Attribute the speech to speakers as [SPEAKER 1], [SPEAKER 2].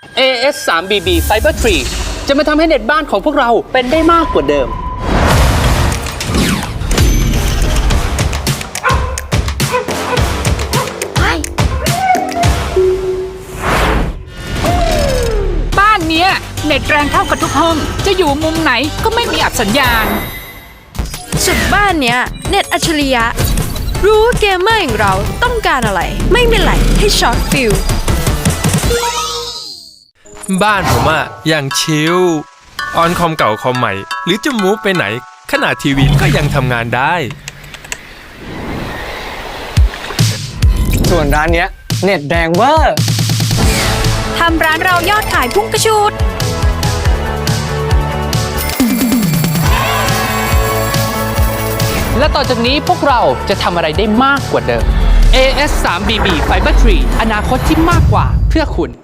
[SPEAKER 1] AS 3BB Fiber 3 จะมาทำให้เน็ตบ้านของพวกเราเป็นได้มากกว่าเดิม
[SPEAKER 2] บ้านเนี้ยเน็ตแรงเท่ากับทุกห้องจะอยู่มุมไหนก็ไม่มีอับสัญญาณ
[SPEAKER 3] สุดบ้านเนี้ยเน็ตอัจฉริยะรู้ว่าเกมเมอร์อย่างเราต้องการอะไรไม่มีไหลให้ช็อตฟิล
[SPEAKER 4] บ้านผมอะอย่างชิลออนคอมเก่าคอมใหม่หรือจะมูฟไปไหนขนาดทีวีก็ยังทำงานได้
[SPEAKER 5] ส่วนร้านเนี้ยเน็ตแรงเวอร์
[SPEAKER 3] ทำร้านเรายอดขายพุ่งกระชูด
[SPEAKER 1] และต่อจากนี้พวกเราจะทำอะไรได้มากกว่าเดิม AS 3BB Fiber 3 อนาคตที่มากกว่าเพื่อคุณ